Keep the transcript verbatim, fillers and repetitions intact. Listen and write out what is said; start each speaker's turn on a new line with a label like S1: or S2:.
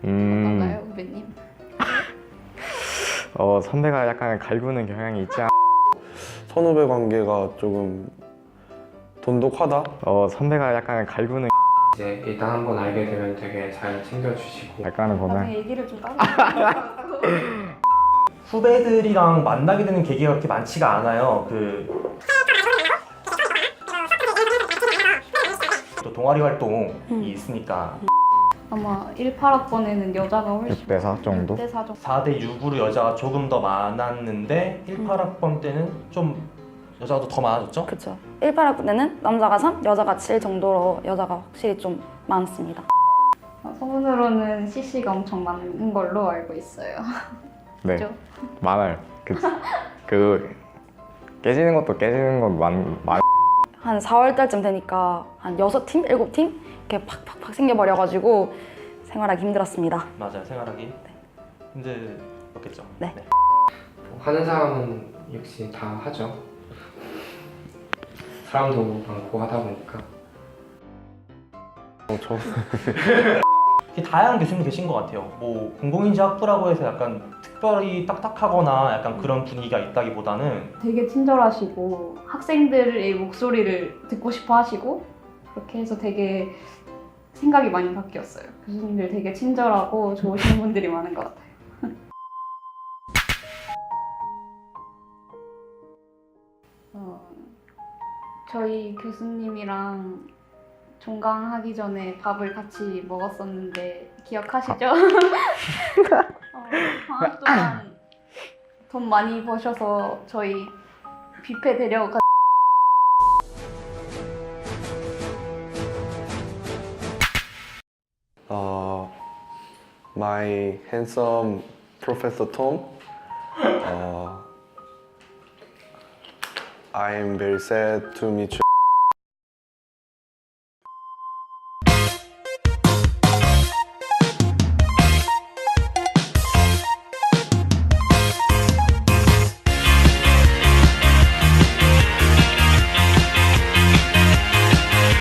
S1: 음,
S2: 어떤가요, 후배님?
S1: 어, 선배가 약간 갈구는 경향이 있지 않...
S3: 선후배 관계가 조금 돈독하다?
S1: 어, 선배가 약간 갈구는
S4: 이제 일단 한번 알게 되면 되게 잘 챙겨주시고
S1: 약간은 보면
S2: 나중에 얘기를 좀 따로 해요.
S5: 후배들이랑 만나게 되는 계기가 그렇게 많지가 않아요. 그 또 동아리 활동이
S2: 음.
S5: 있으니까
S2: 아마 십팔 학번에는 여자가 훨씬
S1: 육 대 사 정도?
S2: 육 대 사 정도.
S5: 사 대 육으로 여자가 조금 더 많았는데 십팔 학번 때는 좀 여자가 더 많아졌죠?
S6: 그렇죠. 십팔 학번 때는 남자가 삼, 여자가 칠 정도로 여자가 확실히 좀 많습니다.
S2: 어, 소문으로는 씨씨가 엄청 많은 걸로 알고 있어요.
S1: 네,
S2: 그죠?
S1: 많아요. 그, 그 깨지는 것도 깨지는 건 많, 많...
S6: 한 사월 달쯤 되니까 한 여섯 팀, 일곱 팀 이렇게 팍팍팍 생겨버려가지고 생활하기 힘들었습니다.
S5: 맞아요. 생활하기 힘들었겠죠.
S6: 네.
S4: 하는 사람은 역시 다 하죠. 사람도 많고 하다 보니까.
S3: 어, 저
S5: 되게 다양한 교수님이 계신 것 같아요. 뭐 공공인지학부라고 해서 약간 특별히 딱딱하거나 약간 그런 분위기가 있다기보다는
S2: 되게 친절하시고 학생들의 목소리를 듣고 싶어 하시고 그렇게 해서 되게 생각이 많이 바뀌었어요. 교수님들 되게 친절하고 좋으신 분들이 많은 것 같아요. 어, 저희 교수님이랑 종강하기 전에 밥을 같이 먹었었는데 기억하시죠? 어, 방학 동안 돈 많이 버셔서 저희 뷔페 데려가
S3: uh, my handsome Professor Tom. Uh, I am very sad to meet you.